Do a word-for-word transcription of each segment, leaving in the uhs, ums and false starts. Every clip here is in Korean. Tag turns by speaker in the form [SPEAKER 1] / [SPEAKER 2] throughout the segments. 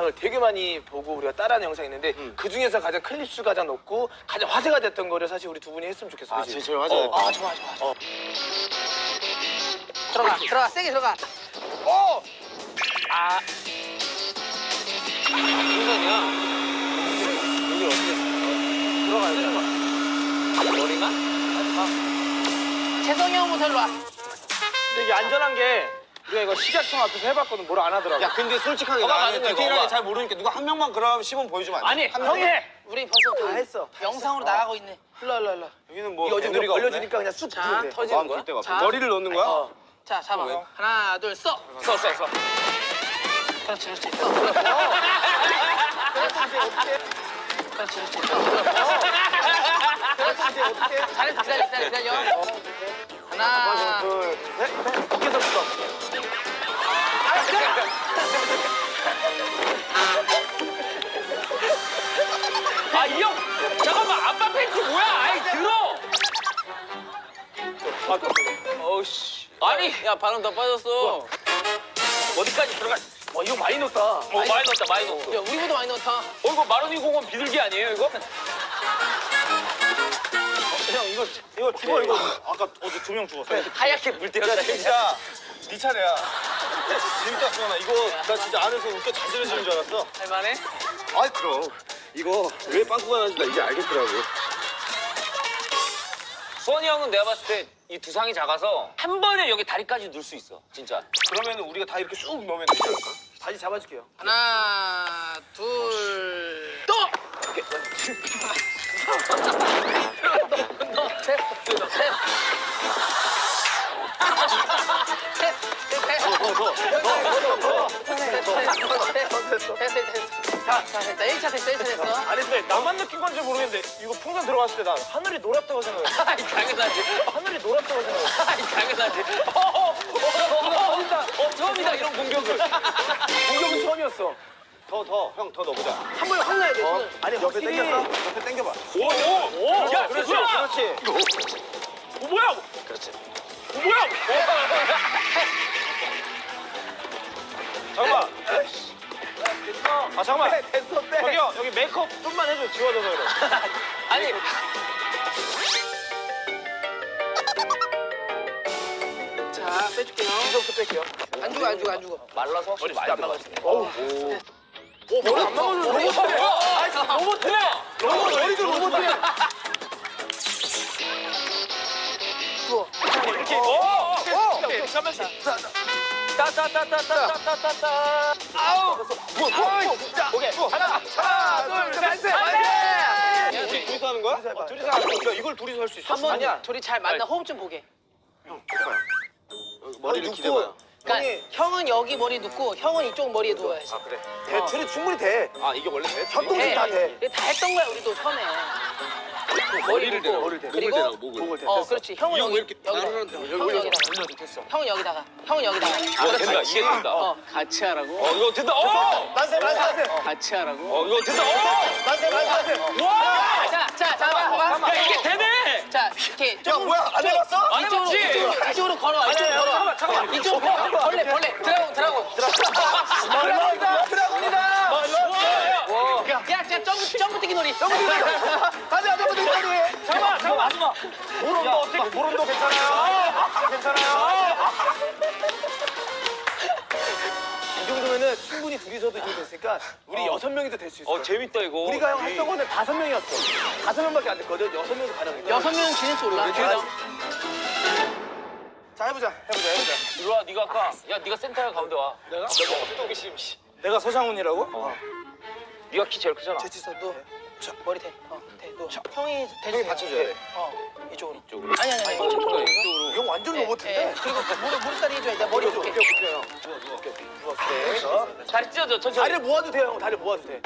[SPEAKER 1] 영상을 되게 많이 보고 우리가 따라하는 영상이 있는데 음. 그 중에서 가장 클립 수가 가장 높고 가장 화제가 됐던 거를 사실 우리 두 분이 했으면 좋겠어.
[SPEAKER 2] 아, 제일 화제가 됐다.
[SPEAKER 3] 아, 좋아, 좋아, 좋아. 어. 들어가, 들어가, 세게 들어가.
[SPEAKER 1] 어!
[SPEAKER 2] 아. 순간이야. 여기 어떻게 들어가야 돼? 머리가?
[SPEAKER 3] 재성이 형부터 일로 와.
[SPEAKER 1] 근데 이게 안전한 게 우리가 이거 식약청 앞에서 해봤거든. 뭘 안 하더라고.
[SPEAKER 2] 야, 근데 솔직하게
[SPEAKER 1] 어가
[SPEAKER 2] 나는
[SPEAKER 1] 맞은 거야,
[SPEAKER 2] 디테일하게
[SPEAKER 1] 어가.
[SPEAKER 2] 잘 모르니까 누가 한 명만 그럼 시범 보여주면 안 돼?
[SPEAKER 1] 아니, 형이 해!
[SPEAKER 3] 우리 벌써
[SPEAKER 1] 다
[SPEAKER 3] 그
[SPEAKER 1] 했어.
[SPEAKER 3] 영상으로 나가고 있네.
[SPEAKER 1] 일로 일로 일로.
[SPEAKER 2] 여기는 뭐
[SPEAKER 1] 이거 어차피
[SPEAKER 2] 애누리가
[SPEAKER 1] 걸려주니까 그냥 쑥
[SPEAKER 3] 자,
[SPEAKER 1] 부으면 돼.
[SPEAKER 2] 터지는 거야? 데가
[SPEAKER 3] 자.
[SPEAKER 2] 머리를 넣는 거야?
[SPEAKER 1] 어.
[SPEAKER 3] 자, 잡아.
[SPEAKER 2] 왜?
[SPEAKER 3] 하나, 둘, 써.
[SPEAKER 1] 써, 써, 써.
[SPEAKER 3] 그렇지, 그렇지. 써.
[SPEAKER 1] 그렇지, 어떻게?
[SPEAKER 3] 그렇지, 그렇지. 써.
[SPEAKER 1] 그렇지, 어떻게?
[SPEAKER 3] 잘했어, 기다려, 기다려, 기다려. 하나.
[SPEAKER 1] 둘, 셋. 어깨서 써.
[SPEAKER 4] 아, 이 형! 잠깐만, 아빠 팬티 뭐야? 아이, 들어! 어우씨. 아니,
[SPEAKER 2] 야, 반응 더 빠졌어.
[SPEAKER 4] 어디까지 들어가?
[SPEAKER 1] 와, 이거 많이 넣었다.
[SPEAKER 4] 어, 많이 넣었다, 많이 넣었어.
[SPEAKER 3] 야, 우리보다 많이 넣었다.
[SPEAKER 4] 어, 이거 마로니 공원 비둘기 아니에요, 이거?
[SPEAKER 1] 형, 이거, 이거 죽어, 이거. 아까 어제 두 명 죽었어.
[SPEAKER 4] 하얗게 물들였다,
[SPEAKER 2] 야, 진짜 네 차례야. 재밌다, 수원아. 이거 나 진짜 안에서 웃겨 자지러지는 줄 알았어.
[SPEAKER 4] 할만해?
[SPEAKER 2] 아이, 그럼. 이거 왜 빵꾸가 나는지 나 이제 알겠더라고.
[SPEAKER 4] 수원이 형은 내가 봤을 때 이 두상이 작아서 한 번에 여기 다리까지 넣을 수 있어, 진짜.
[SPEAKER 2] 그러면 우리가 다 이렇게 쑥 넣으면 되지 않을까?
[SPEAKER 1] 다시 잡아줄게요.
[SPEAKER 3] 하나, 둘, 또! 너, 셋, 셋. 셋, 셋, 셋. 자, 자, 됐다. 일 차 됐어, 일 차 됐어.
[SPEAKER 1] 아니, 근데 나만 느낀 건지 모르겠는데 이거 풍선 들어갔을 때 나 하늘이 노랗다고 생각했어.
[SPEAKER 4] 아이, 당연하지.
[SPEAKER 1] 하늘이 노랗다고 생각했어.
[SPEAKER 4] 아이, 당연하지. 어, 어, 어, 처음이다. 어, 처음이다, 이런 공격을.
[SPEAKER 1] 공격은 처음이었어.
[SPEAKER 2] 더, 더. 형, 더 넣어보자.
[SPEAKER 1] 한 번에 확 나야 돼. 손을. 아니,
[SPEAKER 2] 옆에
[SPEAKER 1] 확실히-
[SPEAKER 2] 당겼어? 옆에 당겨봐.
[SPEAKER 4] 오, 오, 오. 야,
[SPEAKER 1] 그렇지,
[SPEAKER 4] 수원아!
[SPEAKER 1] 그렇지.
[SPEAKER 4] 어, 뭐야?
[SPEAKER 2] 그렇지.
[SPEAKER 4] 어, 뭐야?
[SPEAKER 2] 잠깐만. 아, 잠깐만.
[SPEAKER 1] 네, 됐어, 네.
[SPEAKER 2] 저기요, 여기 메이크업 좀만 해줘. 지워져서 그래.
[SPEAKER 4] 아니,
[SPEAKER 3] 자, 빼줄게요.
[SPEAKER 1] 이제부터 뺄게요.
[SPEAKER 3] 안 죽어, 안 죽어, 안 죽어.
[SPEAKER 4] 말라서 머리 많이 들어가.
[SPEAKER 1] 어우. 오, 머리 안 막아줘도
[SPEAKER 4] 로봇 뭐야? 로봇이야.
[SPEAKER 1] 로봇, 머리도 로봇이야.
[SPEAKER 3] 부어.
[SPEAKER 1] 이렇게.
[SPEAKER 4] 오,
[SPEAKER 1] 어,
[SPEAKER 4] 오, 오케이, 잠깐만. 따따따따따따따따. 아우.
[SPEAKER 1] 뭐, 뭐, 자, 오케이. 하나, 하나, 둘, 셋, 셋.
[SPEAKER 2] 야, 둘이서 하는 거야?
[SPEAKER 1] 둘이서 해봐.
[SPEAKER 2] 어, 둘이서 하는 거야. 야, 이걸 둘이서 할 수 있어?
[SPEAKER 3] 한번
[SPEAKER 1] 아니야.
[SPEAKER 3] 둘이 잘 만나 호흡 좀 보게.
[SPEAKER 2] 머리를
[SPEAKER 1] 눕고.
[SPEAKER 2] 기대봐요.
[SPEAKER 3] 그러니까
[SPEAKER 1] 형이-
[SPEAKER 3] 형은 여기 머리 눕고 형은 이쪽 머리에 누워야지.
[SPEAKER 2] 아, 그래.
[SPEAKER 1] 돼, 둘이 충분히 돼.
[SPEAKER 2] 아, 이게 원래 돼?
[SPEAKER 1] 협동심 다 돼.
[SPEAKER 3] 이거 다 했던 거야 우리도 처음에.
[SPEAKER 4] 머리를 대라,
[SPEAKER 1] 머리를 대.
[SPEAKER 3] 그리고
[SPEAKER 1] 목을 대.
[SPEAKER 3] 어
[SPEAKER 1] 됐어.
[SPEAKER 3] 그렇지. 형은
[SPEAKER 2] 이형
[SPEAKER 3] 여기
[SPEAKER 2] 왜 이렇게
[SPEAKER 3] 여기다.
[SPEAKER 2] 여기
[SPEAKER 3] 형은 여기다가.
[SPEAKER 4] 올려도 됐어.
[SPEAKER 3] 형은 여기다가. 형은 여기다가.
[SPEAKER 4] 이거 된다, 이게 된다.
[SPEAKER 3] 어 같이 하라고.
[SPEAKER 4] 어, 이거 된다. 어!
[SPEAKER 1] 만세, 만세, 만세.
[SPEAKER 3] 같이 하라고.
[SPEAKER 4] 어, 이거 된다. 어!
[SPEAKER 1] 만세, 만세, 만세.
[SPEAKER 4] 와!
[SPEAKER 3] 자, 자, 잠깐만.
[SPEAKER 4] 야, 이게 되네!
[SPEAKER 3] 자, 이렇게
[SPEAKER 1] 야,
[SPEAKER 3] 조금
[SPEAKER 1] 뭐야? 안 해봤어?
[SPEAKER 4] 안
[SPEAKER 3] 이쪽으로,
[SPEAKER 4] 해봤지?
[SPEAKER 3] 이쪽으로, 이쪽으로 걸어와. 이쪽으로
[SPEAKER 1] 아니,
[SPEAKER 3] 걸어와.
[SPEAKER 1] 잠깐만, 잠깐만.
[SPEAKER 3] 이쪽 벌레, 벌레. 드라곤, 드라곤.
[SPEAKER 1] 드라곤이다, 드라곤이다.
[SPEAKER 4] 와!
[SPEAKER 3] 야, 야, 점프, 점프 뛰기 놀이.
[SPEAKER 1] 가자, 점프 뛰기 놀이.
[SPEAKER 4] 잠깐만, 잠깐만, 하지 마.
[SPEAKER 1] 모론도 어떻게, 모론도 괜찮아요? 괜찮아요? 이 정도면은 충분히 둘이서도 이렇게 됐으니까 우리 여섯 명이도 될 수 있어.
[SPEAKER 4] 어, 재밌다, 이거.
[SPEAKER 1] 우리가 형 했던 거는 다섯 명이었어. 다섯 명밖에 안 됐거든. 여섯 명도 가능해.
[SPEAKER 3] 여섯 명은 기네스 올라.
[SPEAKER 1] 자, 해보자, 해보자, 해보자.
[SPEAKER 4] 이리 와, 네가 아까. 야, 네가 센터에 가운데 와.
[SPEAKER 2] 내가? 너무 호기심, 씨.
[SPEAKER 1] 내가 서장훈이라고?
[SPEAKER 4] 어. 네가 키 제일 크잖아.
[SPEAKER 3] 재치서 누워. 머리 대. 어, 대. 누워. 형이 대주세요.
[SPEAKER 2] 형이 받쳐줘야 돼.
[SPEAKER 3] 어, 이쪽으로.
[SPEAKER 4] 이쪽으로.
[SPEAKER 3] 아니, 아니, 아니.
[SPEAKER 4] 어,
[SPEAKER 3] 이쪽으로.
[SPEAKER 4] 이쪽으로.
[SPEAKER 1] 형 완전
[SPEAKER 3] 예,
[SPEAKER 1] 로봇인데?
[SPEAKER 3] 예. 그리고 무릎, 무릎다리 해줘야 돼. 머리
[SPEAKER 1] 오케이,
[SPEAKER 3] 이렇게.
[SPEAKER 1] 오케이, 오케이, 형. 누워, 누워. 오케이, 오케이. 누워. 오케이.
[SPEAKER 4] 다리 찢어져, 천천히.
[SPEAKER 1] 다리를 모아도 돼요, 형. 다리를 모아도 돼.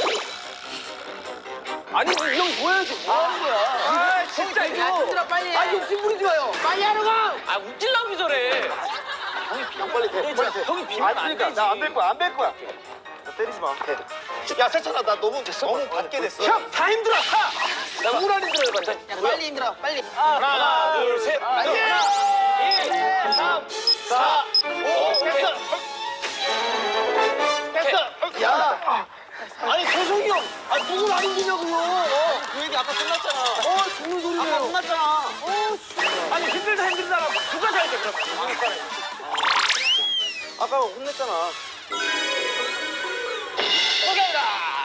[SPEAKER 1] 아니, 이 형 모아야지. 뭐 하는 거야? 아, 진짜 이거.
[SPEAKER 3] 야, 힘들어, 빨리 해.
[SPEAKER 1] 아, 욕심 부리지 마요.
[SPEAKER 3] 빨리 하라고!
[SPEAKER 4] 아, 웃질라고 저래.
[SPEAKER 1] 형 빨리 대.
[SPEAKER 4] 빨리 대. 형이 비면 안 되지.
[SPEAKER 1] 나안 뺄 거야, 안 뺄 거야. 나 때리지 마. 대.
[SPEAKER 2] 야, 세찬아, 나 너무, 너무 받게 됐어.
[SPEAKER 1] 형, 다 힘들어, 다! 누구랑 힘들어요, 빨리.
[SPEAKER 3] 야, 빨리 힘들어, 빨리.
[SPEAKER 4] 하나, 둘, 셋.
[SPEAKER 3] 빨리.
[SPEAKER 4] 일, 삼, 사, 오,
[SPEAKER 1] 됐어. 됐어. 야,
[SPEAKER 2] 아니 조성이 형, 아 누굴 안 힘드냐고요? 어, 그 얘기 아까 끝났잖아. 어, 죽는 소리네요. 아까 끝났잖아. 어, 씨.
[SPEAKER 1] 아니 힘들다 힘들다 누가 잘돼 그러면?
[SPEAKER 2] 아까 혼냈잖아.
[SPEAKER 3] 소개합니다.